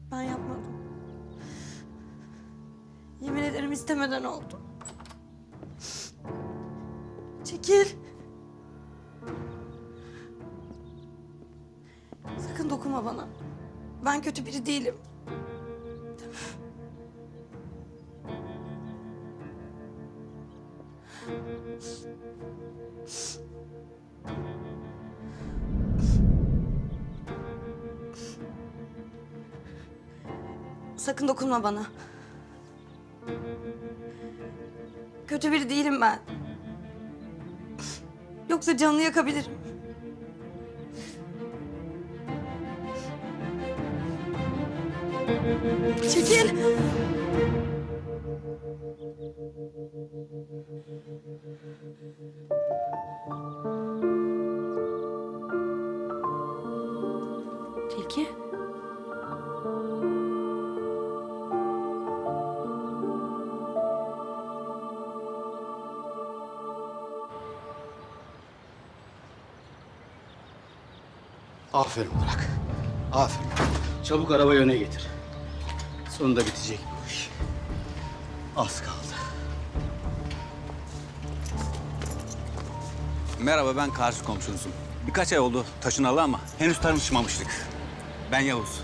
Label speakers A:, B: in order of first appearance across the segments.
A: Ben yapmadım. Yemin ederim istemeden oldu. Çekil. Sakın dokunma bana. Ben kötü biri değilim. Sakın dokunma bana. Kötü biri değilim ben. Yoksa canını yakabilirim. Çekil. Tilki.
B: Aferin Burak. Aferin. Çabuk arabayı öne getir. Sonunda bitecek bu iş. Az kaldı.
C: Merhaba, ben karşı komşunuzum. Birkaç ay oldu taşınalı ama henüz tanışmamıştık. Ben Yavuz.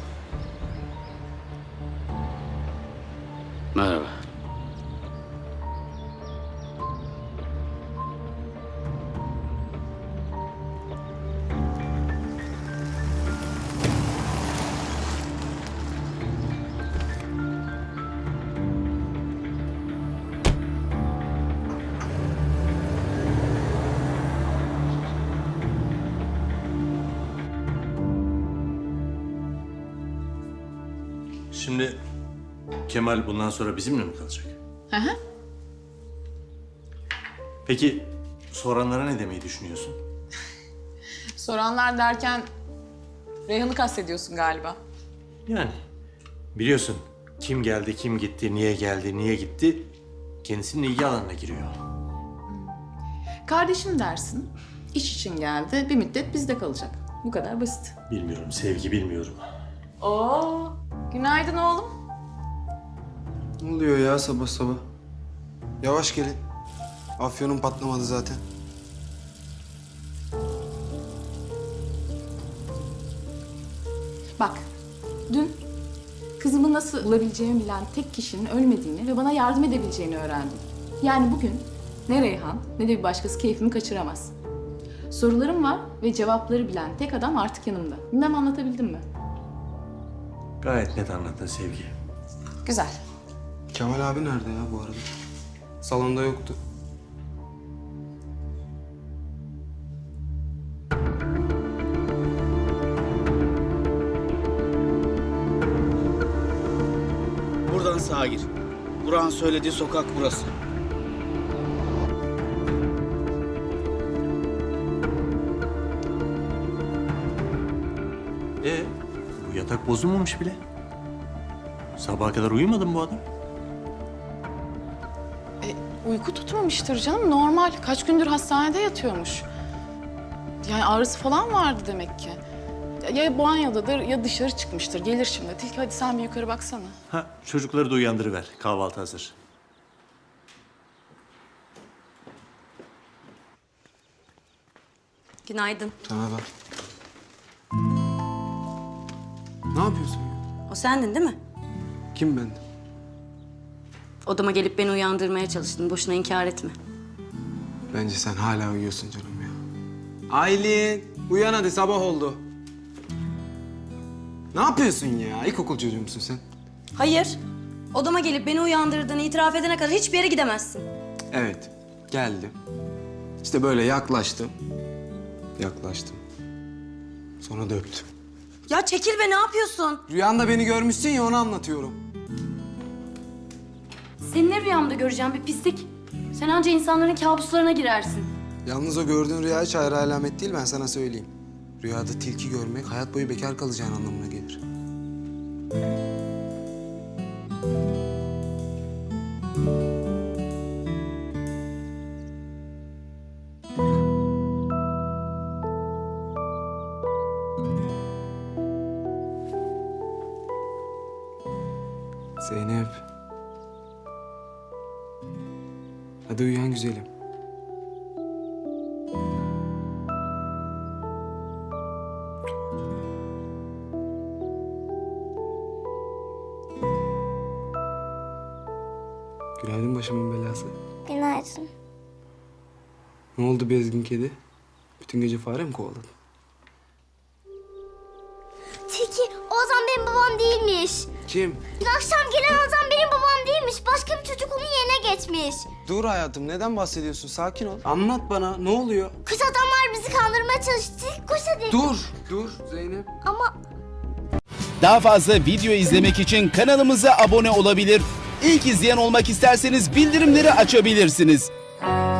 B: Merhaba.
D: Şimdi Kemal bundan sonra bizimle mi kalacak?
E: Hı hı.
D: Peki soranlara ne demeyi düşünüyorsun?
E: Soranlar derken Reyhan'ı kastediyorsun galiba.
D: Yani biliyorsun kim geldi, kim gitti, niye geldi, niye gitti kendisinin ilgi alanına giriyor.
E: Kardeşim dersin, iş için geldi, bir müddet bizde kalacak. Bu kadar basit.
D: Bilmiyorum Sevgi, bilmiyorum.
E: Oo, günaydın oğlum.
F: Ne oluyor ya sabah sabah? Yavaş gelin. Afyonum patlamadı zaten.
E: Bak, dün kızımı nasıl bulabileceğimi bilen tek kişinin ölmediğini ve bana yardım edebileceğini öğrendim. Yani bugün ne Reyhan ne de bir başkası keyfimi kaçıramaz. Sorularım var ve cevapları bilen tek adam artık yanımda. Bilmem anlatabildim mi?
D: Gayet net anlattın Sevgi.
E: Güzel.
F: Kemal abi nerede ya bu arada? Salonda yoktu.
B: Buradan sağa gir. Burak'ın söylediği sokak burası.
D: Bu yatak bozulmamış bile. Sabaha kadar uyumadı mı bu adam?
E: Uyku tutmamıştır canım, normal. Kaç gündür hastanede yatıyormuş. Yani ağrısı falan vardı demek ki. Ya banyodadır ya dışarı çıkmıştır. Gelir şimdi. Tilki hadi sen bir yukarı baksana.
D: Ha, çocukları da uyandırıver. Kahvaltı hazır.
A: Günaydın.
F: Sana bak. Ne yapıyorsun ya?
A: O sendin değil mi?
F: Kim ben?
A: Odama gelip beni uyandırmaya çalıştın. Boşuna inkar etme.
F: Bence sen hala uyuyorsun canım ya. Aylin, uyan hadi sabah oldu. Ne yapıyorsun ya? İlkokul çocuğu musun sen?
A: Hayır. Odama gelip beni uyandırdığını itiraf edene kadar hiçbir yere gidemezsin.
F: Evet, geldim. İşte böyle yaklaştım. Yaklaştım. Sonra da öptüm.
A: Ya çekil be, ne yapıyorsun?
F: Rüyanda beni görmüşsün ya onu anlatıyorum.
A: Seni ne rüyamda göreceğim bir pislik. Sen anca insanların kabuslarına girersin.
F: Yalnız o gördüğün rüya hiç hayra alamet değil ben sana söyleyeyim. Rüyada tilki görmek hayat boyu bekar kalacağın anlamına gelir. Zeynep. Hadi uyan güzelim. Günaydın başımın belası.
G: Günaydın.
F: Ne oldu bezgin kedi? Bütün gece fare mi kovaladın?
G: Tilki, o adam benim babam değilmiş.
F: Kim?
G: Dün akşam gelen adam benim babam değilmiş. Başka bir çocuk onun yerine geçmiş.
F: Dur hayatım, neden bahsediyorsun? Sakin ol. Anlat bana, ne oluyor?
G: Kötü adamlar bizi kandırmaya çalıştı. Koş hadi.
F: Dur Zeynep.
G: Ama
H: Daha fazla video izlemek için kanalımıza abone olabilir. İlk izleyen olmak isterseniz bildirimleri açabilirsiniz.